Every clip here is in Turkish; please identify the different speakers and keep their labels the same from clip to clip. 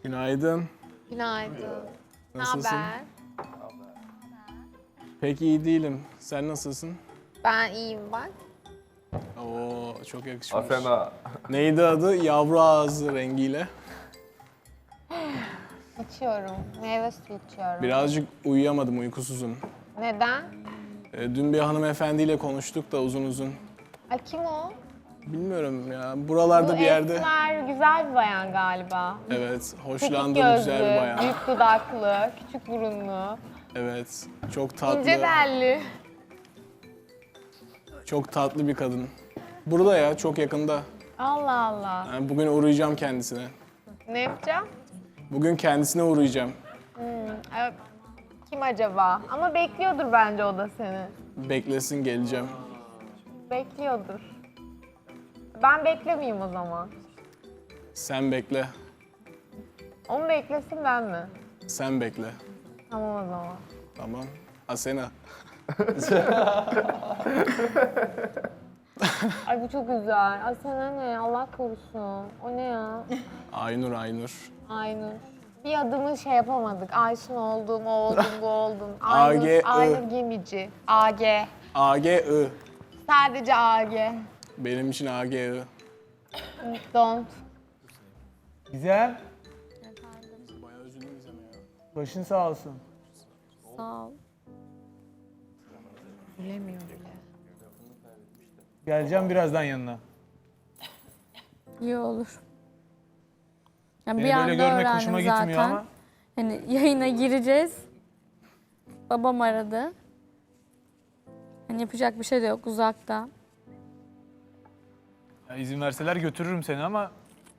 Speaker 1: Günaydın.
Speaker 2: Günaydın.
Speaker 1: Nasılsın?
Speaker 2: Naber?
Speaker 1: Pek iyi değilim. Sen nasılsın?
Speaker 2: Ben iyiyim bak.
Speaker 1: Oo, çok yakışmış.
Speaker 3: Asena.
Speaker 1: Neydi adı? Yavru ağzı rengiyle.
Speaker 2: İçiyorum. Meyve suyu içiyorum.
Speaker 1: Birazcık uyuyamadım, uykusuzum.
Speaker 2: Neden?
Speaker 1: Dün bir hanımefendiyle konuştuk da uzun uzun.
Speaker 2: Ay kim o?
Speaker 1: Bilmiyorum ya, buralarda
Speaker 2: Bu
Speaker 1: bir yerde.
Speaker 2: esmer, güzel bir bayan galiba.
Speaker 1: Evet,
Speaker 2: Çekik
Speaker 1: hoşlandığım
Speaker 2: gözlü,
Speaker 1: güzel bir bayan.
Speaker 2: büyük dudaklı, küçük burunlu,
Speaker 1: Evet, çok tatlı.
Speaker 2: ince belli.
Speaker 1: Çok tatlı bir kadın. Burada ya, çok yakında.
Speaker 2: Allah Allah.
Speaker 1: Yani bugün uğrayacağım kendisine.
Speaker 2: Ne yapacağım?
Speaker 1: Bugün kendisine uğrayacağım.
Speaker 2: Evet. Kim acaba? Ama bekliyordur bence o da seni.
Speaker 1: Beklesin, geleceğim.
Speaker 2: Bekliyordur. Ben beklemeyeyim o zaman.
Speaker 1: Sen bekle.
Speaker 2: Onu beklesin ben mi?
Speaker 1: Sen bekle.
Speaker 2: Tamam o zaman.
Speaker 1: Tamam. Asena.
Speaker 2: Ay bu çok güzel. Ay sana ne? Allah korusun. O ne ya?
Speaker 1: Aynur, Aynur.
Speaker 2: Aynur. Bir adımı şey yapamadık. Aysun oldum, o oldum, bu oldum.
Speaker 1: AG,
Speaker 2: Aynur Gemici. AG.
Speaker 1: AGI.
Speaker 2: Sadece AG.
Speaker 1: Benim için AGI.
Speaker 2: Don't.
Speaker 4: Güzel.
Speaker 1: Bayağı üzüldüm Gizem'e ya.
Speaker 4: Başın sağ olsun.
Speaker 2: Sağ ol. Bilemiyor bile.
Speaker 4: Geleceğim birazdan yanına.
Speaker 5: İyi olur. Yani
Speaker 4: Beni
Speaker 5: bir anda
Speaker 4: böyle görmek
Speaker 5: öğrendim
Speaker 4: hoşuma
Speaker 5: zaten.
Speaker 4: gitmiyor ama.
Speaker 5: Hani yayına gireceğiz. Babam aradı. Hani yapacak bir şey de yok uzakta.
Speaker 4: Ya izin verseler götürürüm seni ama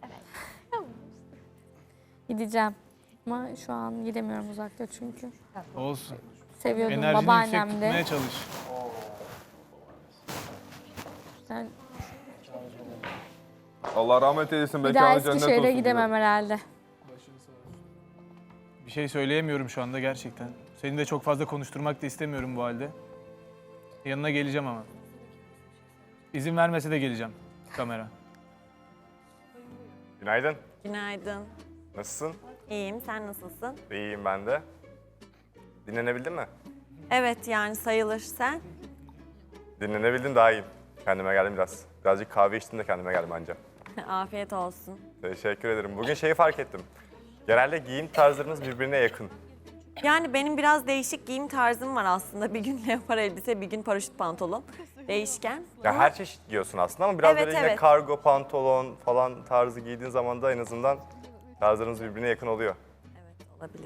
Speaker 5: Gideceğim. Ama şu an gidemiyorum uzakta çünkü.
Speaker 4: olsun.
Speaker 5: Seviyordum
Speaker 4: Enerjini yüksek
Speaker 5: babaannem de.
Speaker 4: tutmaya çalış.
Speaker 5: Yani
Speaker 3: Allah rahmet eylesin.
Speaker 5: bir daha
Speaker 3: Mekanı cennet olsun.
Speaker 5: Eskişehir'e gidemem herhalde.
Speaker 4: Bir şey söyleyemiyorum şu anda gerçekten. Seni de çok fazla konuşturmak da istemiyorum bu halde. Yanına geleceğim ama. İzin vermese de geleceğim kamera.
Speaker 6: Günaydın.
Speaker 7: Günaydın.
Speaker 6: Nasılsın?
Speaker 7: İyiyim. Sen nasılsın?
Speaker 6: İyiyim ben de. Dinlenebildin mi?
Speaker 7: Evet yani sayılır. Sen?
Speaker 6: Dinlenebildim daha iyiyim. Kendime geldim biraz. Birazcık kahve içtim de kendime geldim anca.
Speaker 7: Afiyet olsun.
Speaker 6: Teşekkür ederim. Bugün şeyi fark ettim. Genelde giyim tarzlarınız birbirine yakın.
Speaker 7: Yani benim biraz değişik giyim tarzım var aslında. Bir gün leopar elbise, bir gün paraşüt pantolon. Değişken.
Speaker 6: Ya
Speaker 7: Ama
Speaker 6: her çeşit giyiyorsun aslında ama biraz
Speaker 7: Evet,
Speaker 6: böyle yine
Speaker 7: evet.
Speaker 6: kargo, pantolon falan tarzı giydiğin zaman da en azından tarzlarınız birbirine yakın oluyor.
Speaker 7: evet olabilir.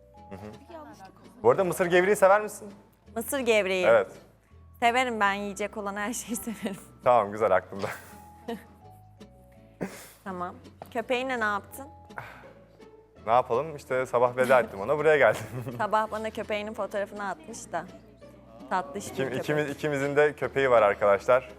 Speaker 6: Bu arada mısır gevreği sever misin?
Speaker 7: Mısır gevreği.
Speaker 6: Evet.
Speaker 7: Severim ben yiyecek olan her şeyi severim.
Speaker 6: Tamam güzel aklımda.
Speaker 7: Tamam. Köpeğinle ne yaptın?
Speaker 6: Ne yapalım? İşte sabah veda ettim ona buraya geldim.
Speaker 7: Sabah bana köpeğinin fotoğrafını atmış da. Tatlış bir köpek.
Speaker 6: İkimizin de köpeği var arkadaşlar.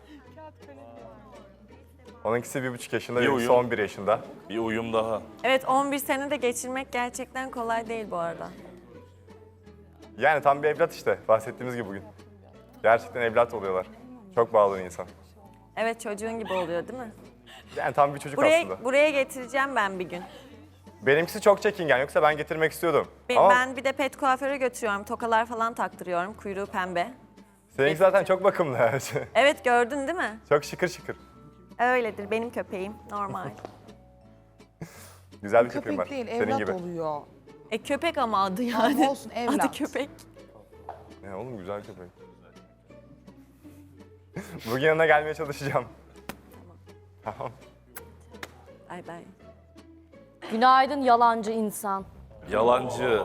Speaker 6: Onunkisi 1,5 yaşında,
Speaker 8: Bir
Speaker 6: benimkisi
Speaker 8: uyum.
Speaker 6: 11 yaşında.
Speaker 8: Bir uyum daha.
Speaker 7: Evet 11 sene de geçirmek gerçekten kolay değil bu arada.
Speaker 6: Yani tam bir evlat işte, bahsettiğimiz gibi bugün. Gerçekten evlat oluyorlar. Çok bağlı insan.
Speaker 7: Evet çocuğun gibi oluyor değil mi?
Speaker 6: Yani tam bir çocuk aslında.
Speaker 7: Buraya getireceğim ben bir gün.
Speaker 6: Benimkisi çok çekingen, yoksa ben getirmek istiyordum. Ama
Speaker 7: Ben bir de pet kuaföre götürüyorum. Tokalar falan taktırıyorum. Kuyruğu pembe.
Speaker 6: seninki zaten çok bakımlı.
Speaker 7: Evet gördün değil mi?
Speaker 6: Çok şıkır şıkır.
Speaker 7: Öyledir benim köpeğim. Normal.
Speaker 6: Güzel bir köpeğim var.
Speaker 9: Köpek değil,
Speaker 6: Senin
Speaker 9: evlat
Speaker 6: gibi.
Speaker 9: oluyor.
Speaker 7: Köpek ama adı
Speaker 9: Ama
Speaker 7: yani.
Speaker 9: olsun, evlat.
Speaker 7: Adı köpek.
Speaker 6: Ne oğlum, güzel köpek. Bugün yanına gelmeye çalışacağım. Tamam.
Speaker 7: Bay bay.
Speaker 10: Günaydın yalancı insan.
Speaker 8: Yalancı.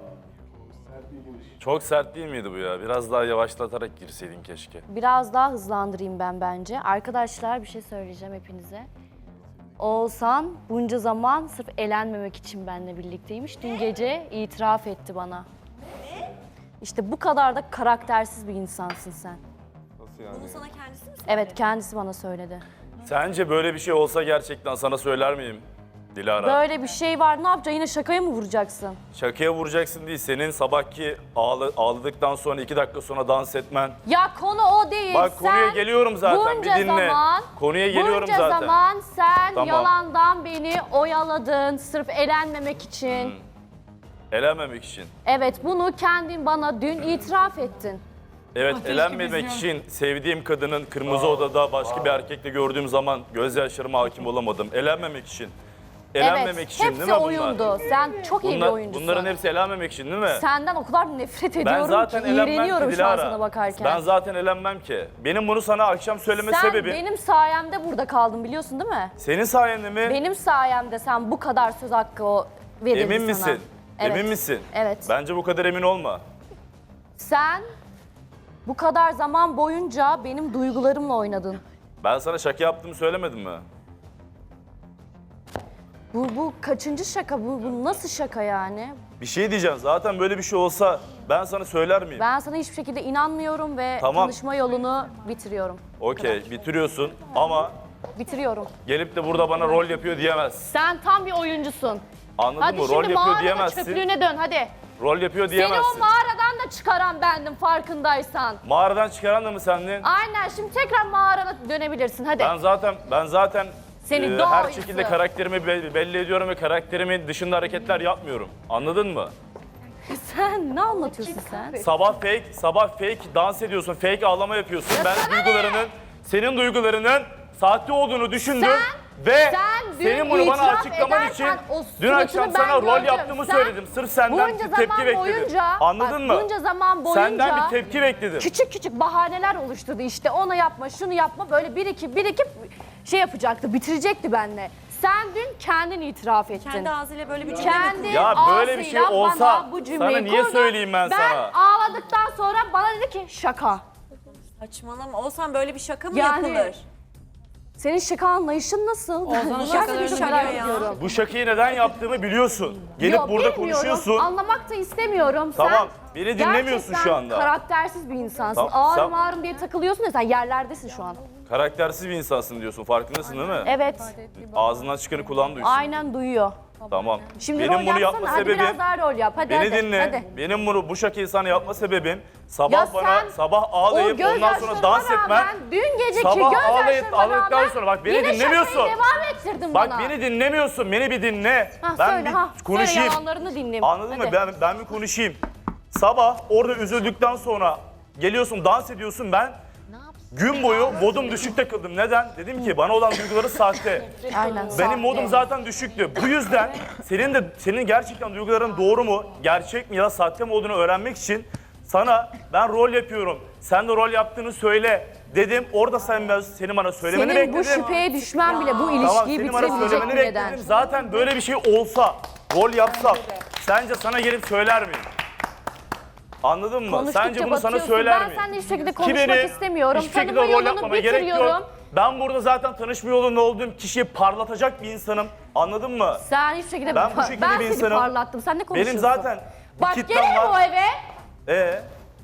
Speaker 8: Çok sert değil miydi bu ya? Biraz daha yavaşlatarak girseydin keşke.
Speaker 10: Biraz daha hızlandırayım ben bence. Arkadaşlar bir şey söyleyeceğim hepinize. Oğuzhan bunca zaman sırf elenmemek için benimle birlikteymiş. Dün gece itiraf etti bana. İşte bu kadar da karaktersiz bir insansın sen.
Speaker 6: Nasıl yani?
Speaker 7: Bunu sana kendisi mi söyledi?
Speaker 10: Evet kendisi bana söyledi.
Speaker 8: Sence böyle bir şey olsa gerçekten sana söyler miyim? Dilara.
Speaker 10: Böyle bir şey var. Ne yapacaksın? Yine şakaya mı vuracaksın?
Speaker 8: Şakaya vuracaksın değil. Senin sabahki ağladıktan sonra 2 dakika sonra dans etmen.
Speaker 10: Ya konu o değil.
Speaker 8: Bak konuya
Speaker 10: Sen
Speaker 8: geliyorum zaten. Bir
Speaker 10: bunca
Speaker 8: dinle.
Speaker 10: Konuya
Speaker 8: geliyorum
Speaker 10: bunca
Speaker 8: zaten.
Speaker 10: zaman sen
Speaker 8: Tamam.
Speaker 10: yalandan beni oyaladın sırf elenmemek için.
Speaker 8: Elenmemek için.
Speaker 10: Evet, bunu kendin bana dün itiraf ettin.
Speaker 8: Evet, elenmemek için sevdiğim kadının kırmızı odada başka bir erkekle gördüğüm zaman gözyaşlarıma hakim olamadım. Elenmemek için. Elenmemek
Speaker 10: Evet,
Speaker 8: için
Speaker 10: hepsi
Speaker 8: değil mi bunlar?
Speaker 10: oyundu. Sen çok iyi bir oyuncusun.
Speaker 8: Bunların hepsi elenmemek için değil mi?
Speaker 10: Senden o kadar nefret
Speaker 8: Ben
Speaker 10: ediyorum
Speaker 8: zaten
Speaker 10: ki
Speaker 8: elenmem ki
Speaker 10: iğreniyorum şu an
Speaker 8: Dilara.
Speaker 10: sana bakarken.
Speaker 8: Ben zaten elenmem ki. Benim bunu sana akşam söyleme
Speaker 10: Sen
Speaker 8: sebebim.
Speaker 10: benim sayemde burada kaldın biliyorsun değil mi?
Speaker 8: Senin sayende mi?
Speaker 10: Benim sayemde sen bu kadar söz hakkı verildi
Speaker 8: Emin
Speaker 10: sana.
Speaker 8: misin?
Speaker 10: Evet.
Speaker 8: Emin misin?
Speaker 10: Evet.
Speaker 8: Bence bu kadar emin olma.
Speaker 10: Sen bu kadar zaman boyunca benim duygularımla oynadın.
Speaker 8: Ben sana şaka yaptığımı söylemedim mi?
Speaker 10: Bu kaçıncı şaka? Bu nasıl şaka yani?
Speaker 8: Bir şey diyeceğim. Zaten böyle bir şey olsa ben sana söyler miyim?
Speaker 10: Ben sana hiçbir şekilde inanmıyorum ve
Speaker 8: Tamam.
Speaker 10: tanışma yolunu bitiriyorum.
Speaker 8: Okey, bitiriyorsun ama
Speaker 10: Bitiriyorum.
Speaker 8: gelip de burada bana rol yapıyor diyemezsin.
Speaker 10: Sen tam bir oyuncusun.
Speaker 8: Anladın
Speaker 10: Hadi
Speaker 8: mı? Rol
Speaker 10: şimdi
Speaker 8: yapıyor
Speaker 10: mağaranın
Speaker 8: diyemezsin.
Speaker 10: çöplüğüne dön hadi.
Speaker 8: Rol yapıyor
Speaker 10: Seni
Speaker 8: diyemezsin.
Speaker 10: o mağaradan da çıkaran bendim farkındaysan.
Speaker 8: Mağaradan çıkaran da mı sendin?
Speaker 10: Aynen şimdi tekrar mağarana dönebilirsin hadi.
Speaker 8: Ben zaten
Speaker 10: Seni
Speaker 8: her
Speaker 10: doğrusu.
Speaker 8: şekilde karakterimi belli ediyorum ve karakterimin dışında hareketler yapmıyorum. Anladın mı?
Speaker 10: Sen ne anlatıyorsun sen?
Speaker 8: Sabah fake dans ediyorsun, fake ağlama yapıyorsun. Ben senin duygularının sahte olduğunu düşündüm ve
Speaker 10: sen dün
Speaker 8: senin bunu bana
Speaker 10: itiraf
Speaker 8: açıklaman için
Speaker 10: ederken o
Speaker 8: dün akşam
Speaker 10: suratını
Speaker 8: sana
Speaker 10: ben
Speaker 8: rol
Speaker 10: gördüm.
Speaker 8: yaptığımı
Speaker 10: Sen
Speaker 8: söyledim. Sırf senden
Speaker 10: bunca
Speaker 8: bir tepki
Speaker 10: zaman
Speaker 8: bekledim.
Speaker 10: boyunca,
Speaker 8: Anladın
Speaker 10: bak,
Speaker 8: mı?
Speaker 10: bunca zaman boyunca
Speaker 8: Senden bir tepki bekledim.
Speaker 10: küçük bahaneler oluşturdu işte onu yapma şunu yapma böyle birikip şey yapacaktı bitirecekti benimle. Sen dün kendin itiraf ettin.
Speaker 7: Kendi ağzıyla böyle bir cümle mi
Speaker 10: Kendi
Speaker 8: Ya böyle bir şey
Speaker 10: ağzıyla
Speaker 8: olsa
Speaker 10: bana bu cümleyi
Speaker 8: sana niye
Speaker 10: kurdu.
Speaker 8: söyleyeyim ben sana?
Speaker 10: Ben ağladıktan sonra bana dedi ki şaka.
Speaker 7: Saçmalama. Olsan böyle bir şaka mı
Speaker 10: Yani-
Speaker 7: yapılır?
Speaker 10: Senin şaka anlayışın nasıl?
Speaker 7: Nasıl bir şaka ya?
Speaker 8: Bu şakayı neden yaptığımı biliyorsun. Gelip
Speaker 10: Yok,
Speaker 8: burada
Speaker 10: bilmiyorum.
Speaker 8: konuşuyorsun.
Speaker 10: Anlamak da istemiyorum.
Speaker 8: Tamam,
Speaker 10: Sen
Speaker 8: beni dinlemiyorsun
Speaker 10: gerçekten
Speaker 8: şu anda.
Speaker 10: karaktersiz bir insansın.
Speaker 8: Tamam, sen-
Speaker 10: Ağrım diye takılıyorsun ya sen yerlerdesin şu an.
Speaker 8: Karaktersiz bir insansın diyorsun. Farkındasın değil mi?
Speaker 10: Evet.
Speaker 8: Ağzından çıkanı kulağın duysun.
Speaker 10: Aynen duyuyor.
Speaker 8: Tamam.
Speaker 10: Şimdi
Speaker 8: Benim
Speaker 10: rol
Speaker 8: bunu
Speaker 10: yapsana.
Speaker 8: yapma
Speaker 10: Hadi
Speaker 8: sebebim
Speaker 10: biraz daha rol yap. Hadi
Speaker 8: beni
Speaker 10: hadi.
Speaker 8: dinle.
Speaker 10: Hadi.
Speaker 8: Benim bu şakayı sana yapma sebebim
Speaker 10: Ya
Speaker 8: sabah
Speaker 10: sen
Speaker 8: sabah ağlayıp ondan sonra dans etmen.
Speaker 10: dün geceki
Speaker 8: Sabah
Speaker 10: gözyaşlarına
Speaker 8: ağladıktan
Speaker 10: rağmen
Speaker 8: sonra bak beni
Speaker 10: yine
Speaker 8: dinlemiyorsun.
Speaker 10: şakayı devam ettirdin
Speaker 8: Bak
Speaker 10: bana.
Speaker 8: beni dinlemiyorsun. Beni bir dinle.
Speaker 10: Ha,
Speaker 8: Ben
Speaker 10: söyle,
Speaker 8: bir
Speaker 10: ha.
Speaker 8: konuşayım.
Speaker 10: Söyle yalanlarını dinleyeyim.
Speaker 8: Anladın
Speaker 10: Hadi.
Speaker 8: mı? Ben bir konuşayım. Sabah orada üzüldükten sonra geliyorsun dans ediyorsun ben. Gün boyu modum düşük takıldım. Neden? Dedim ki bana olan duyguları sahte.
Speaker 10: Aynen.
Speaker 8: Benim modum zaten düşüktü. Bu yüzden senin gerçekten duyguların doğru mu, gerçek mi ya da sahte mi olduğunu öğrenmek için sana ben rol yapıyorum. Sen de rol yaptığını söyle dedim. Orada senin bana söylemeni
Speaker 10: Senin
Speaker 8: bekledim.
Speaker 10: bu şüpheye düşmen bile bu
Speaker 8: Tamam,
Speaker 10: ilişkiyi
Speaker 8: senin bana
Speaker 10: bitirebilecek
Speaker 8: söylemeni
Speaker 10: bir neden.
Speaker 8: bekledim. Zaten böyle bir şey olsa, rol yapsam sence sana gelip söyler miyim? Anladın mı?
Speaker 10: Konuştukça
Speaker 8: Sence bunu sana
Speaker 10: batıyorsun.
Speaker 8: söyler
Speaker 10: Ben
Speaker 8: miyim?
Speaker 10: seninle hiçbir şekilde
Speaker 8: Ki
Speaker 10: konuşmak
Speaker 8: beni
Speaker 10: istemiyorum.
Speaker 8: hiçbir şekilde
Speaker 10: Tanıma
Speaker 8: rol
Speaker 10: yolunu
Speaker 8: yapmama gerek
Speaker 10: bitiriyorum.
Speaker 8: yok. Ben burada zaten tanışma yolunda olduğum kişiyi parlatacak bir insanım. Anladın mı?
Speaker 10: Sen hiçbir şekilde
Speaker 8: Ben bu şekilde bir
Speaker 10: seni
Speaker 8: insanım.
Speaker 10: parlattım. Sen ne konuşuyorsun?
Speaker 8: Benim zaten bir
Speaker 10: Bak
Speaker 8: kitlem
Speaker 10: gelirim o
Speaker 8: var.
Speaker 10: eve.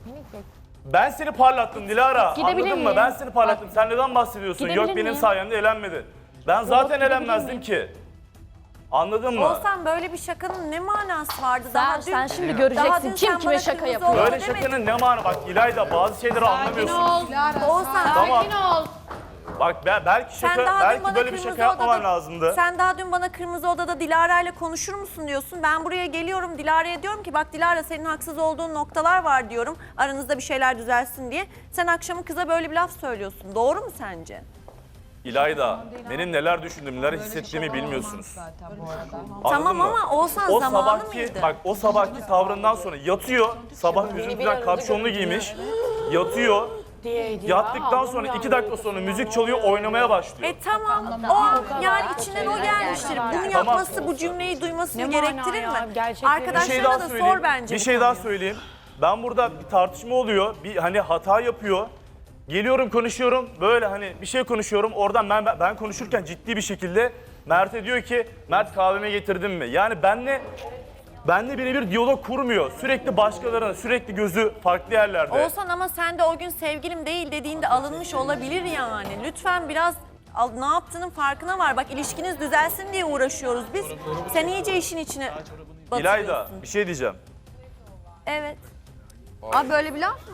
Speaker 8: Ben seni parlattım Dilara.
Speaker 10: Gidebilir
Speaker 8: Anladın mı?
Speaker 10: miyim?
Speaker 8: Ben seni parlattım. Sen neden bahsediyorsun?
Speaker 10: Gidebilir
Speaker 8: Yok benim
Speaker 10: miyim?
Speaker 8: sayemde elenmedin. Ben zaten
Speaker 10: gidebilir
Speaker 8: elenmezdim
Speaker 10: miyim?
Speaker 8: ki. Anladın mı?
Speaker 7: Olsan böyle bir şakanın ne manası vardı?
Speaker 10: Sen şimdi
Speaker 7: daha
Speaker 10: göreceksin
Speaker 7: dün
Speaker 10: kim
Speaker 7: sen
Speaker 10: kime
Speaker 7: bana
Speaker 10: şaka
Speaker 7: kırmızı
Speaker 10: yapıyor.
Speaker 7: oldu
Speaker 8: Böyle
Speaker 7: demedin.
Speaker 8: şakanın ne manası? Bak İlayda bazı şeyleri anlamıyorsun.
Speaker 7: Olsan
Speaker 8: Tamam.
Speaker 2: ol.
Speaker 8: Bak belki
Speaker 7: sen
Speaker 8: şaka,
Speaker 7: daha dün
Speaker 8: belki
Speaker 7: bana
Speaker 8: böyle bir
Speaker 7: kırmızı
Speaker 8: şaka yapmaman
Speaker 7: odada,
Speaker 8: lazımdı.
Speaker 7: Sen daha dün bana kırmızı odada Dilara ile konuşur musun diyorsun. Ben buraya geliyorum Dilara'ya diyorum ki bak Dilara senin haksız olduğun noktalar var diyorum. Aranızda bir şeyler düzelsin diye. Sen akşamı kıza böyle bir laf söylüyorsun. Doğru mu sence?
Speaker 8: İlayda, benim neler düşündüğümü, neler hissettiğimi bilmiyorsunuz. Anladın
Speaker 7: Tamam
Speaker 8: mı?
Speaker 7: ama Oğuzhan
Speaker 8: O
Speaker 7: zamanı
Speaker 8: sabahki,
Speaker 7: mıydı?
Speaker 8: bak o sabahki tavrından sonra yatıyor, sabah üzüntüden kapşonlu giymiş, yatıyor. Yattıktan sonra 2 dakika sonra müzik çalıyor, oynamaya başlıyor.
Speaker 7: Tamam. O an yani içinden o gelmiştir. Bunu yapması, bu cümleyi duymasını gerektirir mi?
Speaker 8: Bir şey
Speaker 7: Arkadaşlarına
Speaker 8: daha
Speaker 7: da
Speaker 8: söyleyeyim.
Speaker 7: sor bence.
Speaker 8: Bir
Speaker 7: bu
Speaker 8: şey daha
Speaker 7: konuyu.
Speaker 8: söyleyeyim. Ben burada bir tartışma oluyor. Bir hani hata yapıyor. Geliyorum konuşuyorum. Böyle hani bir şey konuşuyorum. Oradan ben konuşurken ciddi bir şekilde Mert'e diyor ki Mert kahveme getirdin mi? Yani benle birebir diyalog kurmuyor. Sürekli başkalarına, sürekli gözü farklı yerlerde.
Speaker 7: Oğuzhan ama sen de o gün sevgilim değil dediğinde alınmış olabilir yani. Lütfen biraz Ne yaptığının farkına var. Bak ilişkiniz düzelsin diye uğraşıyoruz biz. Sen iyice işin içine batırıyorsun.
Speaker 8: İlayda bir şey diyeceğim.
Speaker 7: Evet.
Speaker 10: Abi böyle bir laf mı?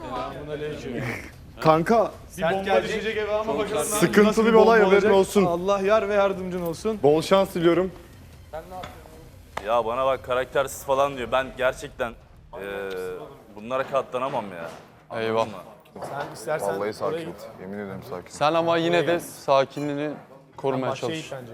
Speaker 3: Kanka
Speaker 8: Bomba düşecek eve ama bakalım.
Speaker 3: sıkıntılı bir olay, haberin olsun.
Speaker 1: Allah yar ve yardımcın olsun.
Speaker 3: Bol şans diliyorum.
Speaker 8: Ya bana bak karaktersiz falan diyor. Ben gerçekten bunlara katlanamam ya.
Speaker 9: Eyvah.
Speaker 1: Sen istersen
Speaker 3: Vallahi
Speaker 1: oraya
Speaker 3: sakin.
Speaker 1: git.
Speaker 3: Yemin ederim sakin.
Speaker 9: Sen ama yine de sakinliğini korumaya
Speaker 1: Bahçeye
Speaker 9: çalış.
Speaker 1: git bence.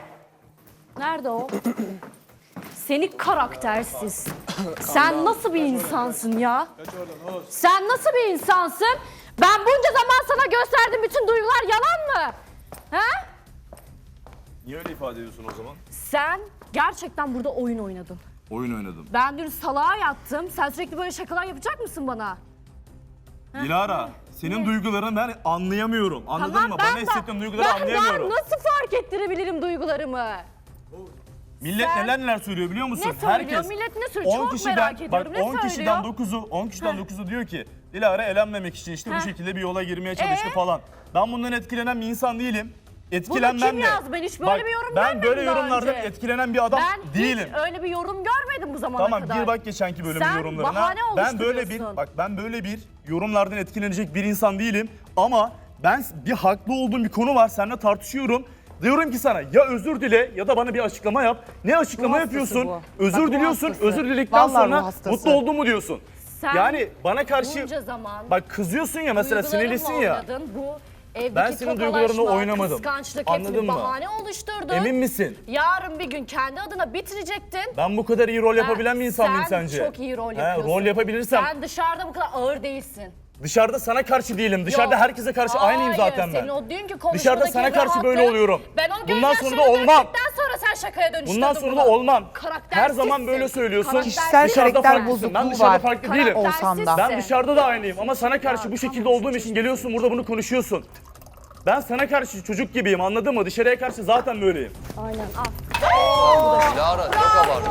Speaker 10: Nerede o? Seni karaktersiz. Sen nasıl bir insansın ya? Sen nasıl bir insansın? Ben bunca zaman sana gösterdiğim bütün duygular yalan mı? Ha?
Speaker 8: Niye öyle ifade ediyorsun o zaman?
Speaker 10: Sen gerçekten burada oyun oynadın.
Speaker 8: Oyun oynadım.
Speaker 10: Ben dün salağa yattım. Sen sürekli böyle şakalar yapacak mısın bana?
Speaker 8: Dilara, senin duygularını ben anlayamıyorum. Anladın
Speaker 10: Tamam,
Speaker 8: mı?
Speaker 10: ben
Speaker 8: Bana hissettiğin duyguları
Speaker 10: Ben
Speaker 8: anlayamıyorum.
Speaker 10: nasıl fark ettirebilirim duygularımı?
Speaker 8: Millet neler söylüyor biliyor musun?
Speaker 10: Ne söylüyor? Millet ne söylüyor? Çok merak ediyorum. Ne
Speaker 8: 10 kişiden
Speaker 10: söylüyor?
Speaker 8: 10 kişiden 9'u diyor ki Dilara elenmemek için işte bu şekilde bir yola girmeye çalıştı falan. Ben bundan etkilenen bir insan değilim. Etkilenmem
Speaker 10: kim
Speaker 8: de.
Speaker 10: yazdı? Ben hiç böyle bir yorum
Speaker 8: Ben
Speaker 10: görmedim
Speaker 8: böyle
Speaker 10: daha
Speaker 8: yorumlardan
Speaker 10: önce.
Speaker 8: etkilenen bir adam
Speaker 10: Ben
Speaker 8: değilim.
Speaker 10: hiç öyle bir yorum görmedim bu zamana
Speaker 8: Tamam
Speaker 10: kadar.
Speaker 8: gir bak geçenki bölümün
Speaker 10: Sen
Speaker 8: yorumlarına.
Speaker 10: bahane oluşturuyorsun.
Speaker 8: Ben böyle bir yorumlardan etkilenecek bir insan değilim ama ben bir haklı olduğum bir konu var seninle tartışıyorum. Diyorum ki sana ya özür dile ya da bana bir açıklama yap. Ne açıklama
Speaker 10: Bu hastası
Speaker 8: yapıyorsun?
Speaker 10: bu.
Speaker 8: Özür
Speaker 10: Bak, bu
Speaker 8: diliyorsun.
Speaker 10: hastası.
Speaker 8: Özür diledikten
Speaker 10: Vallahi bu
Speaker 8: sonra
Speaker 10: hastası.
Speaker 8: mutlu oldun mu diyorsun.
Speaker 10: Sen
Speaker 8: Yani bana karşı
Speaker 10: bunca zaman
Speaker 8: bak kızıyorsun ya mesela
Speaker 10: duygularımla
Speaker 8: sinirlisin ya.
Speaker 10: oynadın. Bu evdeki
Speaker 8: Ben senin
Speaker 10: tokalaşma,
Speaker 8: duygularını oynamadım.
Speaker 10: kıskançlık
Speaker 8: Anladın
Speaker 10: hepsini
Speaker 8: mı?
Speaker 10: bahane oluşturdun.
Speaker 8: Emin misin?
Speaker 10: Yarın bir gün kendi adına bitirecektin.
Speaker 8: Ben bu kadar iyi rol yapabilen bir insan mıyım
Speaker 10: sen
Speaker 8: sence?
Speaker 10: çok iyi rol
Speaker 8: He,
Speaker 10: yapıyorsun.
Speaker 8: rol yapabilirsem
Speaker 10: Sen dışarıda bu kadar ağır değilsin.
Speaker 8: dışarıda sana karşı değilim. Dışarıda
Speaker 10: Yok.
Speaker 8: herkese karşı aynıyım zaten
Speaker 10: Hayır,
Speaker 8: ben.
Speaker 10: senin o dünkü konuşmadaki
Speaker 8: Dışarıda sana karşı böyle
Speaker 10: rahatlık,
Speaker 8: oluyorum.
Speaker 10: Ben o
Speaker 8: Bundan sonra da
Speaker 10: gözyaşlarını
Speaker 8: olmam.
Speaker 10: döktükten sonra sen şakaya dönüştürdün
Speaker 8: Bundan sonra
Speaker 10: bunu.
Speaker 8: da olmam. Her
Speaker 10: Karaktersizsin.
Speaker 8: zaman böyle söylüyorsun.
Speaker 10: Kişisel
Speaker 8: Dışarıda
Speaker 11: karakter
Speaker 8: farklısın. Ben
Speaker 11: bozukluğu
Speaker 8: dışarıda
Speaker 11: var.
Speaker 8: farklı değilim.
Speaker 11: Olsam da.
Speaker 8: Ben dışarıda da aynıyım ama sana karşı bu şekilde olduğum için geliyorsun burada bunu konuşuyorsun. Ben sana karşı çocuk gibiyim anladın mı? Dışarıya karşı zaten böyleyim.
Speaker 10: Aynen al.
Speaker 9: Dilara çok abartı.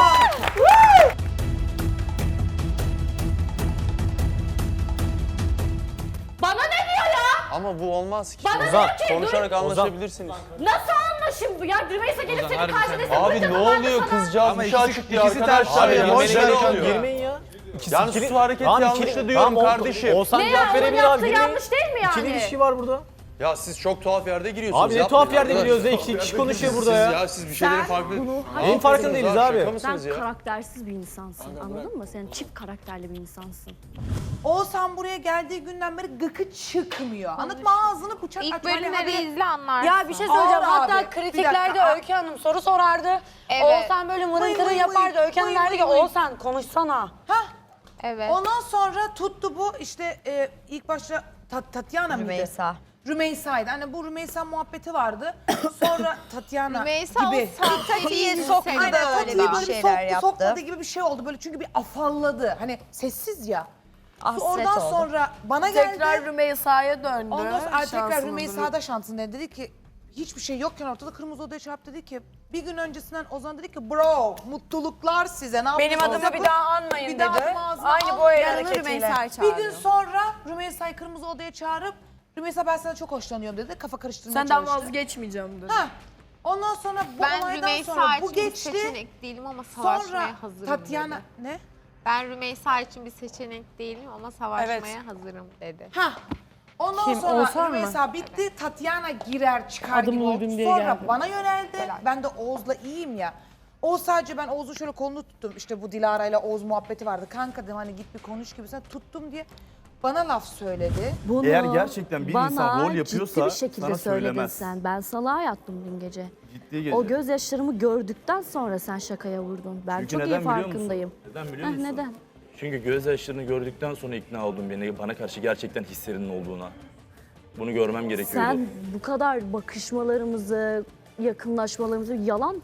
Speaker 10: Bana ne diyor ya?
Speaker 9: Ama bu olmaz ki.
Speaker 10: Bana diyor ki
Speaker 9: Konuşarak anlaşabilirsiniz.
Speaker 10: nasıl anlaşım bu ya? Rümeysa gelip senin karşına
Speaker 9: Abi ne oluyor kızcağız bir şey açık diye arkadaşlar
Speaker 1: Abi
Speaker 9: ya.
Speaker 1: boş ver
Speaker 9: Yemeğe
Speaker 1: ya,
Speaker 9: alıyor.
Speaker 1: girmeyin ya.
Speaker 9: Yani su hareketi yanlış da diyorum kardeşim.
Speaker 1: Oğuzhan
Speaker 10: Ne
Speaker 1: cevap
Speaker 10: ya? Onun
Speaker 1: verebilir
Speaker 10: yaptığı
Speaker 1: abi. Girmeyin.
Speaker 10: yanlış değil mi yani?
Speaker 1: İkili ilişki var burada.
Speaker 9: Ya siz çok tuhaf yerde giriyorsunuz.
Speaker 1: Abi ne
Speaker 9: yapmayın
Speaker 1: tuhaf yerde
Speaker 9: arkadaşlar.
Speaker 1: giriyoruz ya. İki kişi konuşuyor burada ya.
Speaker 9: Siz bir şeylerin
Speaker 10: Sen
Speaker 9: farklı.
Speaker 10: bunu
Speaker 1: Neyin farkında değiliz abi?
Speaker 9: Şaka
Speaker 10: Sen
Speaker 9: mısınız ya?
Speaker 10: karaktersiz bir insansın anladın mı? Sen çift karakterli bir insansın.
Speaker 11: Oğuzhan buraya geldiği günden beri gıkı çıkmıyor. Anlatma ağzını bıçak
Speaker 2: İlk
Speaker 11: aç. Hani
Speaker 2: bölümleri
Speaker 11: haberi-
Speaker 2: izle anlarsın.
Speaker 12: Ya bir şey söyleyeceğim.
Speaker 11: Ağır
Speaker 12: Hatta
Speaker 11: abi. Bir
Speaker 12: kritiklerde
Speaker 11: dakika.
Speaker 12: Öykü Hanım soru sorardı.
Speaker 2: Evet.
Speaker 12: Oğuzhan böyle mırın
Speaker 11: Vıy
Speaker 12: kırın
Speaker 11: vıy
Speaker 12: yapardı.
Speaker 11: vıy,
Speaker 12: Öykü Hanım
Speaker 11: vıy
Speaker 12: derdi ki
Speaker 11: vıy vıy.
Speaker 12: Oğuzhan konuşsana.
Speaker 11: Hah.
Speaker 2: Evet.
Speaker 11: Ondan sonra tuttu bu işte ilk başta Tatyana mıydı?
Speaker 12: Rümeysa.
Speaker 11: Rümeysa'ydı. Hani bu Rümeysa muhabbeti vardı. Sonra Tatyana
Speaker 2: Rümeysa
Speaker 11: gibi.
Speaker 2: o sempatiyi sokmadı
Speaker 11: Aynen
Speaker 2: öyle
Speaker 11: Tatya'yı
Speaker 2: bir
Speaker 11: böyle bir
Speaker 2: şeyler
Speaker 11: sokmadı gibi bir şey oldu. Böyle çünkü bir afalladı. Hani sessiz ya.
Speaker 12: Hasret
Speaker 11: Oradan
Speaker 12: oldu.
Speaker 11: sonra bana geldi.
Speaker 12: Rümeysa'ya döndü.
Speaker 11: Ondan sonra tekrar Rümeysa'da şansın dedi ki hiçbir şey yokken ortada Kırmızı Oda'ya çarp dedi ki bir gün öncesinden Ozan dedi ki bro mutluluklar size ne
Speaker 12: Benim
Speaker 11: yapıyorsunuz
Speaker 12: adımı bir
Speaker 11: yapın.
Speaker 12: daha anmayın
Speaker 11: Bir daha
Speaker 12: dedi.
Speaker 11: adımı ağzına
Speaker 12: Aynı bu
Speaker 11: almayın.
Speaker 12: el hareketiyle.
Speaker 11: Bir gün sonra Rümeysa'yı Kırmızı Oda'ya çağırıp Rümeysa ben sana çok hoşlanıyorum dedi. Kafa karıştırmaya
Speaker 12: Senden
Speaker 11: çalıştı.
Speaker 12: vazgeçmeyeceğim dedi.
Speaker 11: Ha. Ondan sonra bu
Speaker 2: Ben
Speaker 11: olaydan
Speaker 2: Rümeysa
Speaker 11: sonra
Speaker 2: için
Speaker 11: bu
Speaker 2: bir
Speaker 11: geçti.
Speaker 2: seçenek değilim ama
Speaker 11: Sonra
Speaker 2: savaşmaya hazırım
Speaker 11: Tatyana
Speaker 2: dedi.
Speaker 11: ne?
Speaker 2: Ben Rümeysa için bir seçenek değilim ama savaşmaya hazırım dedi.
Speaker 11: Ha. Ondan sonra Rümeysa bitti. Tatyana girer çıkar gibi oldu. Sonra bana yöneldi. Ben de Oğuz'la iyiyim ya. Oğuz sadece ben Oğuz'un şöyle kolunu tuttum. İşte bu Dilara ile Oğuz muhabbeti vardı. Kanka dedim hani git bir konuş gibi. Sen tuttum diye bana laf söyledi.
Speaker 10: Bunu
Speaker 8: Eğer gerçekten bir insan rol yapıyorsa
Speaker 10: ciddi bir şekilde
Speaker 8: sana
Speaker 10: söyledin
Speaker 8: söylemez.
Speaker 10: sen. Ben salağa yattım dün gece.
Speaker 8: Ciddi gece.
Speaker 10: O gözyaşlarımı gördükten sonra sen şakaya vurdun. Ben
Speaker 8: Çünkü
Speaker 10: çok iyi
Speaker 8: neden biliyor musun?
Speaker 10: farkındayım.
Speaker 8: Neden biliyor
Speaker 10: Heh,
Speaker 8: musun?
Speaker 10: neden?
Speaker 8: Çünkü gözyaşlarını gördükten sonra ikna oldum bana karşı gerçekten hislerinin olduğuna. Bunu görmem gerekiyordu.
Speaker 10: Sen bu kadar bakışmalarımızı, yakınlaşmalarımızı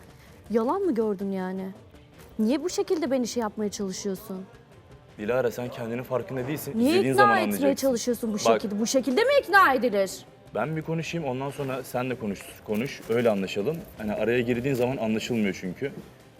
Speaker 10: yalan mı gördün yani? Niye bu şekilde beni şey yapmaya çalışıyorsun?
Speaker 8: Dilara sen kendinin farkında değilsin.
Speaker 10: Niye
Speaker 8: İzlediğin
Speaker 10: ikna
Speaker 8: zaman
Speaker 10: etmeye
Speaker 8: anlayacaksın.
Speaker 10: çalışıyorsun bu
Speaker 8: Bak.
Speaker 10: şekilde? Bu şekilde mi ikna edilir?
Speaker 8: Ben bir konuşayım ondan sonra sen de konuş. Öyle anlaşalım. Hani araya girdiğin zaman anlaşılmıyor çünkü.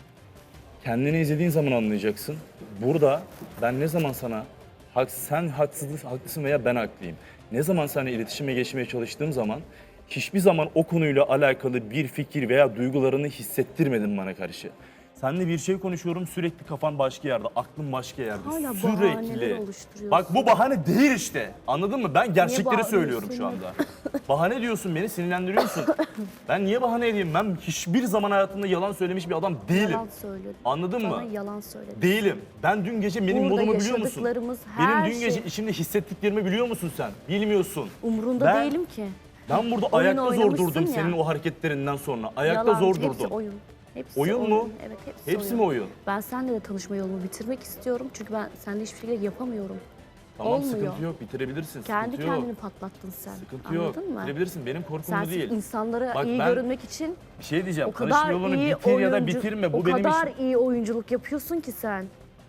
Speaker 8: Kendini izlediğin zaman anlayacaksın. Burada ben ne zaman sana sen haklısın veya ben haklıyım. Ne zaman seninle iletişime geçmeye çalıştığım zaman hiçbir zaman o konuyla alakalı bir fikir veya duygularını hissettirmedin bana karşı. Seninle bir şey konuşuyorum, sürekli kafan başka yerde, aklın başka yerde.
Speaker 10: Hala
Speaker 8: Sürekli.
Speaker 10: bahaneler oluşturuyorsun.
Speaker 8: Bak bu bahane değil işte. Anladın mı? Ben gerçekleri
Speaker 10: bağırıyorsun
Speaker 8: söylüyorum şu
Speaker 10: ya?
Speaker 8: anda. Bahane diyorsun, beni sinirlendiriyorsun. Ben niye bahane edeyim? Ben hiçbir zaman hayatımda yalan söylemiş bir adam değilim.
Speaker 10: Yalan söyledin.
Speaker 8: Anladın
Speaker 10: Bana
Speaker 8: mı?
Speaker 10: yalan söyledin.
Speaker 8: Değilim. Ben dün gece benim
Speaker 10: Burada
Speaker 8: modumu biliyor musun?
Speaker 10: yaşadıklarımız
Speaker 8: Benim
Speaker 10: her
Speaker 8: dün gece
Speaker 10: şey-
Speaker 8: içimde hissettiklerimi biliyor musun sen? Bilmiyorsun.
Speaker 10: Umurunda
Speaker 8: Ben-
Speaker 10: değilim ki.
Speaker 8: Ben burada
Speaker 10: Oyun
Speaker 8: ayakta zor
Speaker 10: oynamışsın
Speaker 8: durdum
Speaker 10: ya.
Speaker 8: senin o hareketlerinden sonra. Ayakta
Speaker 10: Yalan,
Speaker 8: zor
Speaker 10: hepsi
Speaker 8: durdum.
Speaker 10: oyun. Hepsi
Speaker 8: Oyun mu?
Speaker 10: Evet,
Speaker 8: Hepsi mi oyun?
Speaker 10: Ben seninle de tanışma yolumu bitirmek istiyorum. Çünkü ben seninle hiçbir şekilde yapamıyorum.
Speaker 8: Tamam
Speaker 10: Olmuyor.
Speaker 8: sıkıntı yok, bitirebilirsin.
Speaker 10: Kendi
Speaker 8: sıkıntı yok.
Speaker 10: kendini patlattın sen.
Speaker 8: Sıkıntı yok.
Speaker 10: Anladın mı?
Speaker 8: Bitirebilirsin. Benim korkum
Speaker 10: Sen
Speaker 8: bu
Speaker 10: sırf
Speaker 8: değil.
Speaker 10: insanlara
Speaker 8: Bak
Speaker 10: iyi
Speaker 8: ben
Speaker 10: görünmek için
Speaker 8: bir şey diyeceğim.
Speaker 10: o kadar
Speaker 8: Tanışma yolunu
Speaker 10: iyi
Speaker 8: bitir ya da bitirme. Bu
Speaker 10: o
Speaker 8: benim
Speaker 10: kadar
Speaker 8: işim.
Speaker 10: iyi oyunculuk yapıyorsun ki sen.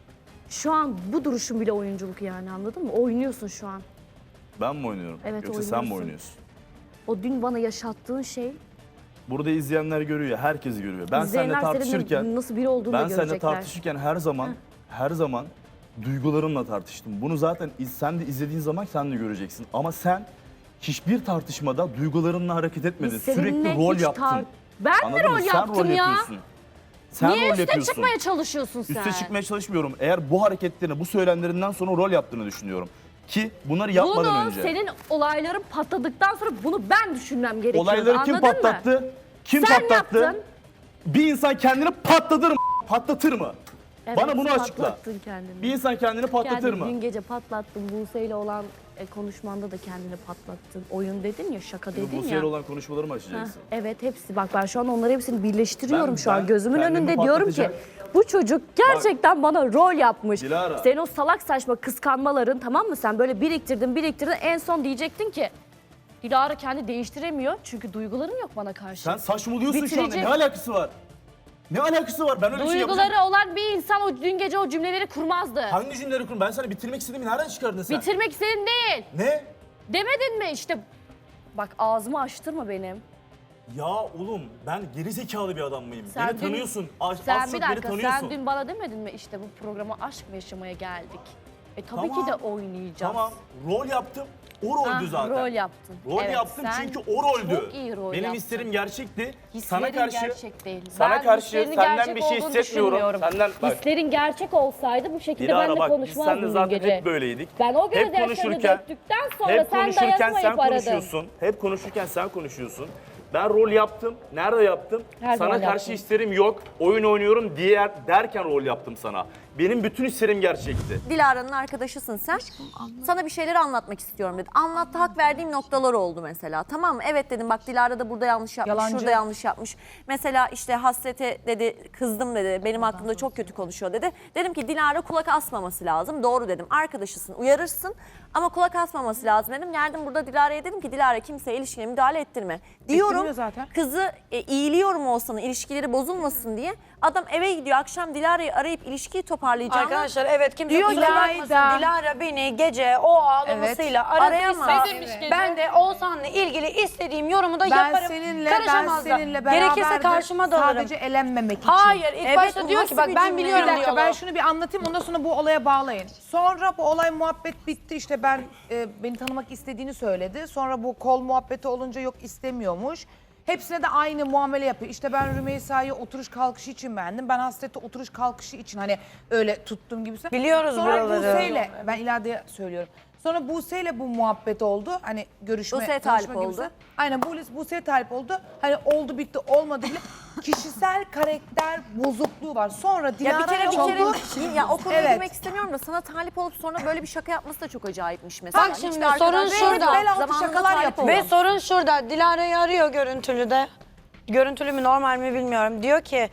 Speaker 10: Şu an bu duruşun bile oyunculuk yani, anladın mı? Oynuyorsun şu an.
Speaker 8: Ben mi oynuyorum?
Speaker 10: Evet,
Speaker 8: Yoksa sen mi
Speaker 10: oynuyorsun.
Speaker 8: oynuyorsun?
Speaker 10: O dün bana yaşattığın şey,
Speaker 8: Burada izleyenler görüyor, herkes görüyor. Ben seninle
Speaker 10: izleyenler senin
Speaker 8: tartışırken,
Speaker 10: nasıl biri olduğunu da
Speaker 8: ben seninle
Speaker 10: görecekler.
Speaker 8: tartışırken her zaman duygularımla tartıştım. Bunu zaten sen de izlediğin zaman sen de göreceksin. Ama sen hiçbir tartışmada duygularınla hareket etmedin.
Speaker 10: Biz seninle
Speaker 8: Sürekli rol
Speaker 10: hiç
Speaker 8: yaptın.
Speaker 10: Ben mi
Speaker 8: Anladın mı?
Speaker 10: rol
Speaker 8: Sen
Speaker 10: yaptım
Speaker 8: rol
Speaker 10: ya?
Speaker 8: yapıyorsun. Sen
Speaker 10: Niye
Speaker 8: rol
Speaker 10: üste
Speaker 8: yapıyorsun.
Speaker 10: çıkmaya çalışıyorsun sen?
Speaker 8: Üste çıkmaya çalışmıyorum. Eğer bu hareketlerini, bu söylemlerinden sonra rol yaptığını düşünüyorum. Ki bunları yapmadan
Speaker 10: Bunu
Speaker 8: önce.
Speaker 10: senin olayların patladıktan sonra bunu ben düşünmem gerekiyor.
Speaker 8: Olayları kim
Speaker 10: anladın mı?
Speaker 8: patlattı? Kim
Speaker 10: Sen
Speaker 8: patlattı?
Speaker 10: yaptın.
Speaker 8: Bir insan kendini patlatır mı?
Speaker 10: Evet,
Speaker 8: Bana bunu açıkla.
Speaker 10: patlattın kendini.
Speaker 8: Bir insan kendini patlatır
Speaker 10: Kendini
Speaker 8: mı?
Speaker 10: dün gece patlattın. Buse ile olan konuşmanda da kendini patlattın. Oyun dedin ya, şaka dedin
Speaker 8: Bu
Speaker 10: ya.
Speaker 8: olan konuşmaları mı
Speaker 10: Heh,
Speaker 8: açacaksın?
Speaker 10: evet, hepsi. Bak ben şu an onları hepsini birleştiriyorum şu an
Speaker 8: ben
Speaker 10: gözümün
Speaker 8: kendimi
Speaker 10: önünde. Diyorum ki
Speaker 8: patlatacak-
Speaker 10: bu çocuk gerçekten bana rol yapmış.
Speaker 8: Dilara.
Speaker 10: Senin o salak saçma kıskanmaların, tamam mı, sen böyle biriktirdin en son diyecektin ki Dilara kendi değiştiremiyor çünkü duyguların yok bana karşı.
Speaker 8: Sen saçmalıyorsun şu anda.
Speaker 10: Bitirecek.
Speaker 8: Ne alakası var? Ne alakası var? Ben öyle bir şey
Speaker 10: Duyguları
Speaker 8: yapacağım.
Speaker 10: olan bir insan o dün gece o cümleleri kurmazdı.
Speaker 8: Hangi cümleleri kurum? Ben sana bitirmek istediğimi nereden çıkardın sen?
Speaker 10: Bitirmek istedin değil.
Speaker 8: Ne?
Speaker 10: Demedin mi işte? Bak ağzımı açtırma benim.
Speaker 8: Ya oğlum ben geri zekalı bir adam mıyım?
Speaker 10: Sen
Speaker 8: Beni
Speaker 10: dün-
Speaker 8: tanıyorsun. Az
Speaker 10: Sen
Speaker 8: çok
Speaker 10: bir
Speaker 8: beni
Speaker 10: dakika,
Speaker 8: tanıyorsun.
Speaker 10: sen dün bana demedin mi işte bu programa aşk mı yaşamaya geldik? Tabii
Speaker 8: Tamam.
Speaker 10: ki de oynayacağız.
Speaker 8: Tamam. Rol yaptım. O roldü
Speaker 10: Ha,
Speaker 8: zaten.
Speaker 10: Rol yaptın.
Speaker 8: Rol
Speaker 10: Evet,
Speaker 8: yaptım
Speaker 10: sen
Speaker 8: çünkü o roldü.
Speaker 10: Çok iyi rol
Speaker 8: Benim
Speaker 10: yaptın.
Speaker 8: hislerim gerçekti.
Speaker 10: Hislerin
Speaker 8: Sana karşı
Speaker 10: gerçek değil.
Speaker 8: sana
Speaker 10: Ben
Speaker 8: karşı
Speaker 10: hislerinin
Speaker 8: senden
Speaker 10: gerçek
Speaker 8: bir şey
Speaker 10: olduğunu
Speaker 8: hissetmiyorum.
Speaker 10: düşünmüyorum.
Speaker 8: Senden bak.
Speaker 10: Hislerin gerçek olsaydı bu şekilde
Speaker 8: Dilara
Speaker 10: benimle
Speaker 8: bak biz
Speaker 10: konuşmazdın
Speaker 8: seninle
Speaker 10: dün
Speaker 8: zaten
Speaker 10: gece.
Speaker 8: hep böyleydik.
Speaker 10: Ben o
Speaker 8: Hep
Speaker 10: gözyaşlarını
Speaker 8: konuşurken-
Speaker 10: döktükten sonra
Speaker 8: Hep
Speaker 10: sen
Speaker 8: konuşurken sen
Speaker 10: dayanamayıp aradın.
Speaker 8: konuşuyorsun. Hep konuşurken sen konuşuyorsun. Ben rol yaptım. Nerede yaptım?
Speaker 10: Her
Speaker 8: sana
Speaker 10: zaman
Speaker 8: karşı
Speaker 10: yaptın.
Speaker 8: hislerim yok. Oyun oynuyorum derken rol yaptım sana. Benim bütün hislerim gerçekti.
Speaker 7: Dilara'nın arkadaşısın sen. Sana bir şeyleri anlatmak istiyorum dedi. Anlattı, hak verdiğim noktalar oldu mesela. Tamam mı? Evet dedim, bak Dilara da burada yanlış yapmış,
Speaker 11: Yalancı.
Speaker 7: şurada yanlış yapmış. Mesela işte Hasret'e dedi, kızdım dedi, benim hakkımda çok kötü konuşuyor dedi. Dedim ki Dilara kulak asmaması lazım. Doğru dedim, arkadaşısın, uyarırsın ama kulak asmaması lazım dedim. Geldim burada Dilara'ya dedim ki Dilara kimseye ilişkiye müdahale ettirme. Diyorum,
Speaker 11: Ettirmiyor zaten.
Speaker 7: kızı iyiliyorum Oğuzhan'ın ilişkileri bozulmasın diye. Adam eve gidiyor, akşam Dilara'yı arayıp ilişkiyi toparlayacağını.
Speaker 12: Arkadaşlar evet kimse
Speaker 7: Diyor
Speaker 12: kusura bakmasın.
Speaker 11: İlayda.
Speaker 12: Dilara beni gece o ağlamasıyla
Speaker 7: Arayamaz.
Speaker 12: aradıysa ben de Oğuzhan'la ilgili istediğim yorumu da yaparım.
Speaker 11: Ben
Speaker 12: Karışamaz da.
Speaker 11: seninle beraber
Speaker 12: Gerekirse karşıma da alırım.
Speaker 11: sadece elenmemek için.
Speaker 12: Hayır ilk
Speaker 7: Evet,
Speaker 12: başta
Speaker 7: bu
Speaker 12: diyor
Speaker 7: nasıl
Speaker 12: ki bak
Speaker 7: bir
Speaker 12: ben
Speaker 7: cümle?
Speaker 12: biliyorum
Speaker 11: Bir dakika
Speaker 12: diyor.
Speaker 11: ben şunu bir anlatayım, ondan sonra bu olaya bağlayın. Sonra bu olay muhabbet bitti, işte ben beni tanımak istediğini söyledi. Sonra bu kol muhabbeti olunca yok istemiyormuş. Hepsine de aynı muamele yapıyor. İşte ben Rümeysa'yı oturuş kalkışı için beğendim. Ben Hasret'i oturuş kalkışı için hani öyle tuttum gibisi.
Speaker 12: Biliyoruz
Speaker 11: Sonra
Speaker 12: buraları.
Speaker 11: Buse'yle, ben ileride söylüyorum. Sonra Buse'yle bu muhabbet oldu. Hani görüşme,
Speaker 7: Buse'ye
Speaker 11: tanışma
Speaker 7: talip
Speaker 11: gibisi.
Speaker 7: oldu.
Speaker 11: Aynen Buse'ye talip oldu. Hani oldu bitti olmadı bile. Kişisel karakter bozukluğu var. Sonra
Speaker 7: Ya bir
Speaker 11: Dilara'ya
Speaker 7: kere
Speaker 11: oldu.
Speaker 7: ya o konuya
Speaker 11: Evet.
Speaker 7: girmek istemiyorum da sana talip olup sonra böyle bir şaka yapması da çok acayipmiş mesela.
Speaker 12: Bak şimdi
Speaker 7: Hiçbir arkadaş-
Speaker 12: sorun şurada.
Speaker 11: Bel altı
Speaker 7: Zamanında
Speaker 11: şakalar
Speaker 7: talip
Speaker 11: yapıyor.
Speaker 7: olan.
Speaker 12: Ve sorun şurada. Dilara'yı arıyor görüntülü de. Görüntülü mü normal mi bilmiyorum. Diyor ki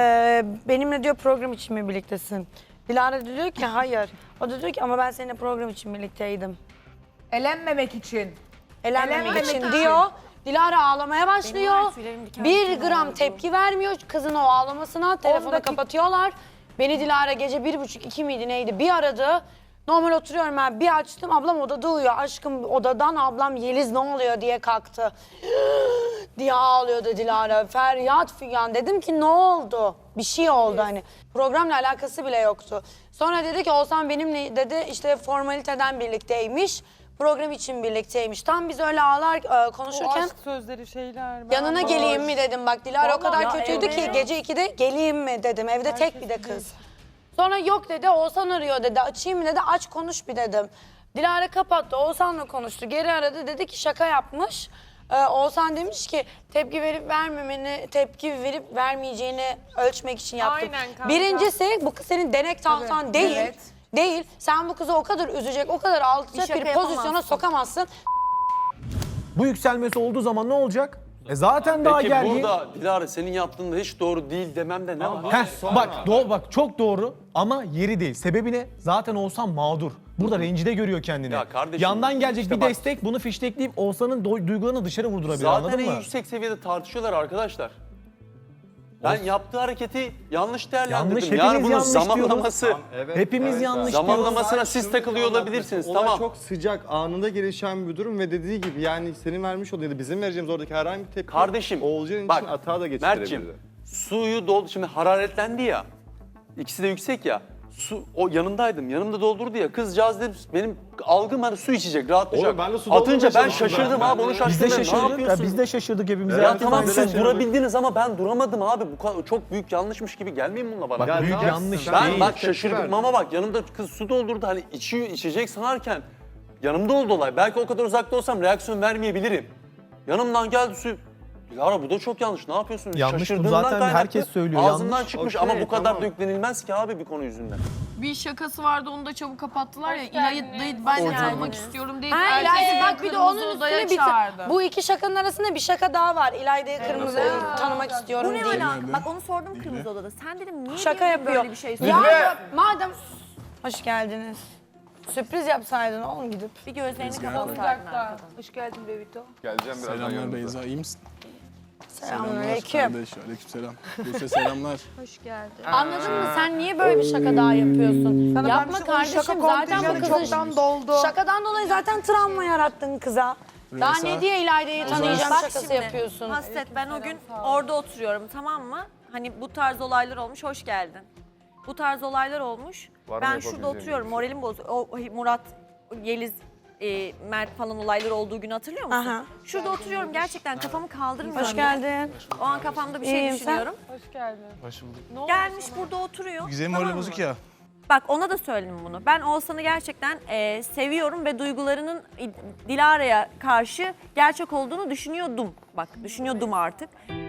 Speaker 12: benimle diyor program için mi birliktesin? Dilara da diyor ki hayır. O da diyor ki ama ben seninle program için birlikteydim.
Speaker 11: Elenmemek için.
Speaker 12: Elenmemek için diyor. Dilara ağlamaya başlıyor.
Speaker 7: var ya, tüylerim diken
Speaker 12: Bir
Speaker 7: diken
Speaker 12: gram
Speaker 7: oldu.
Speaker 12: tepki vermiyor kızın o ağlamasına. Telefonu
Speaker 11: dakika-
Speaker 12: kapatıyorlar. Beni Dilara gece 1.30-2 miydi neydi bir aradı. Normal oturuyorum ben bir açtım ablam odada uyuyor. Aşkım odadan ablam Yeliz ne oluyor diye kalktı. diye ağlıyordu Dilara. Feryat figan. Dedim ki ne oldu? Bir şey oldu hani. Programla alakası bile yoktu. Sonra dedi ki Oğuzhan benimle dedi işte formaliteden birlikteymiş. program için birlikteymiş. Tam biz öyle konuşurken
Speaker 11: sözleri şeyler.
Speaker 12: yanına geleyim mi dedim. Bak Dilara o kadar
Speaker 7: Ya
Speaker 12: kötüydü ki
Speaker 7: evet.
Speaker 12: gece 2'de geleyim mi dedim. Evde tek bir de kız. Sonra yok dedi, Oğuzhan arıyor dedi. Açayım mı dedi, aç konuş bir dedim. Dilara kapattı, Oğuzhan'la konuştu. Geri aradı, dedi ki şaka yapmış. Oğuzhan demiş ki tepki verip vermeyeceğini ölçmek için yaptım.
Speaker 2: Aynen kanka.
Speaker 12: Birincisi bu kız senin denek tahtan değil.
Speaker 11: evet.
Speaker 12: Değil. Sen bu kızı o kadar üzecek, o kadar alçacak
Speaker 7: şaka
Speaker 12: bir pozisyona
Speaker 7: yapamazsın.
Speaker 12: sokamazsın.
Speaker 13: Bu yükselmesi olduğu zaman ne olacak? Zaten daha
Speaker 9: Peki
Speaker 13: gergin.
Speaker 9: burada Dilara senin yaptığın da hiç doğru değil dememde ne var?
Speaker 13: Bak çok doğru ama yeri değil. Sebebi ne? Zaten Oğuzhan mağdur. Burada rencide görüyor kendini.
Speaker 9: Ya kardeşim,
Speaker 13: Yandan gelecek
Speaker 9: işte
Speaker 13: bir
Speaker 9: bak-
Speaker 13: destek bunu fiştekleyip Oğuzhan'ın duygularını dışarı vurdurabilir,
Speaker 9: Zaten
Speaker 13: anladın
Speaker 9: en
Speaker 13: mı?
Speaker 9: yüksek seviyede tartışıyorlar arkadaşlar. Ben yaptığı hareketi yanlış değerlendirdim.
Speaker 13: Yanlış,
Speaker 9: yani
Speaker 13: hepimiz
Speaker 9: bunun
Speaker 13: yanlış
Speaker 9: zamanlaması,
Speaker 13: Hepimiz yanlış diyoruz.
Speaker 9: zamanlamasına siz takılıyor olabilirsiniz.
Speaker 3: Olay
Speaker 9: Tamam.
Speaker 3: çok sıcak, anında gelişen bir durum ve dediği gibi yani senin vermiş olduğun ya da bizim vereceğimiz oradaki herhangi bir tepki
Speaker 9: Kardeşim,
Speaker 3: Oğulcan
Speaker 9: bak,
Speaker 3: için hata da geçirebilir.
Speaker 9: Mert'cim, suyu doldu. Şimdi hararetlendi ya. İkisi de yüksek ya. Su, o yanındaydım. Yanımda doldurdu ya. Kızcağız dedim benim algım hani su içecek, rahatlayacak.
Speaker 3: Oğlum ben de su doldurmaya
Speaker 9: Atınca ben
Speaker 3: çalıştım
Speaker 9: şaşırdım
Speaker 3: ben.
Speaker 9: abi. Onu
Speaker 13: Biz
Speaker 9: şaşırdım.
Speaker 13: de
Speaker 9: Ne
Speaker 13: şaşırdık.
Speaker 9: yapıyorsun?
Speaker 13: Biz de şaşırdık hepimiz.
Speaker 9: Ya
Speaker 13: Herkes
Speaker 9: tamam
Speaker 13: aynı
Speaker 9: siz
Speaker 13: şaşırdı.
Speaker 9: durabildiniz ama ben duramadım abi. Bu kadar çok büyük yanlışmış gibi gelmeyin bununla bana.
Speaker 13: Bak büyük
Speaker 3: tamam.
Speaker 13: yanlış
Speaker 3: Ben-
Speaker 9: Ben
Speaker 13: değil.
Speaker 9: bak şaşırdım ama bak yanımda kız su doldurdu hani içecek sanarken yanımda oldu olay. Belki o kadar uzakta olsam reaksiyon vermeyebilirim. Yanımdan geldi su. Dilara bu da çok yanlış. Ne yapıyorsun?
Speaker 13: Yanlış bu,
Speaker 9: Şaşırdığımdan
Speaker 13: zaten
Speaker 9: kaynaklı.
Speaker 13: herkes söylüyor,
Speaker 9: Ağzımdan
Speaker 13: yanlış.
Speaker 9: çıkmış
Speaker 3: Okey,
Speaker 9: ama bu kadar
Speaker 3: tamam.
Speaker 9: da yüklenilmez ki abi bir konu yüzünden.
Speaker 5: Bir şakası vardı onu da çabuk kapattılar ya.
Speaker 2: Hoş
Speaker 5: İlay'ı
Speaker 2: geldiniz.
Speaker 5: ben de
Speaker 2: Hoş
Speaker 5: tanımak
Speaker 2: geldiniz.
Speaker 5: istiyorum deyip
Speaker 12: Ha, İlayda bak bir de onun
Speaker 5: kırmızı odaya
Speaker 12: üstüne
Speaker 5: çağırdı.
Speaker 12: bu iki şakanın arasında bir şaka daha var. İlayda'yı kırmızı tanımak istiyorum
Speaker 7: Bu ne
Speaker 12: diye.
Speaker 7: alaka? Bak onu sordum Kırmızı Oda'da. Sen dedim niye
Speaker 12: Şaka
Speaker 7: birine
Speaker 12: yapıyor.
Speaker 7: böyle bir şey
Speaker 12: Ya
Speaker 7: söylüyorsun?
Speaker 12: madem hoş geldiniz. Sürpriz yapsaydın oğlum gidip.
Speaker 7: Bir gözlerini kapatsaydın arkadan.
Speaker 12: Hoş geldin Bebito.
Speaker 6: Geleceğim birazdan
Speaker 1: Selamlar
Speaker 6: yanınıza.
Speaker 1: Beyza, iyi misin?
Speaker 12: Selamünaleyküm.
Speaker 1: Kardeş, aleykümselam. Buse selamlar.
Speaker 10: Anladın mı? Sen niye böyle bir şaka daha yapıyorsun?
Speaker 11: Sana
Speaker 10: Yapma
Speaker 11: ben bir şey- onun
Speaker 10: kardeşim.
Speaker 11: şaka
Speaker 10: Zaten bu
Speaker 11: kontenjanı
Speaker 10: kızın
Speaker 11: çoktan doldu.
Speaker 12: Şakadan dolayı zaten travma yarattın kıza. Daha
Speaker 1: Rümeysa,
Speaker 12: ne diye İlayda'yı tanıyacağım
Speaker 7: Bak
Speaker 12: şakası
Speaker 7: şimdi,
Speaker 12: yapıyorsun.
Speaker 7: Hasret ben o gün orada oturuyorum tamam mı? Hani bu tarz olaylar olmuş, hoş geldin. Bu tarz olaylar olmuş.
Speaker 6: Var mı
Speaker 7: Ben
Speaker 6: yapabileceğin
Speaker 7: şurada oturuyorum,
Speaker 6: bir şey?
Speaker 7: moralim bozuk. O Murat, Yeliz, Mert falan olaylar olduğu günü hatırlıyor musun?
Speaker 12: Aha.
Speaker 7: Şurada oturuyorum gerçekten kafamı kaldırmıyorum.
Speaker 12: Hoş geldin.
Speaker 7: O an kafamda bir şey
Speaker 12: İyiyim, sen?
Speaker 7: düşünüyorum.
Speaker 4: Hoş bulduk.
Speaker 7: Gelmiş burada oturuyor.
Speaker 4: Güzel
Speaker 7: tamam
Speaker 4: moral
Speaker 7: mı?
Speaker 4: bozuk ya.
Speaker 7: Bak ona da söyledim bunu. Ben Oğuzhan'ı gerçekten seviyorum ve duygularının Dilara'ya karşı gerçek olduğunu düşünüyordum. Bak düşünüyordum artık.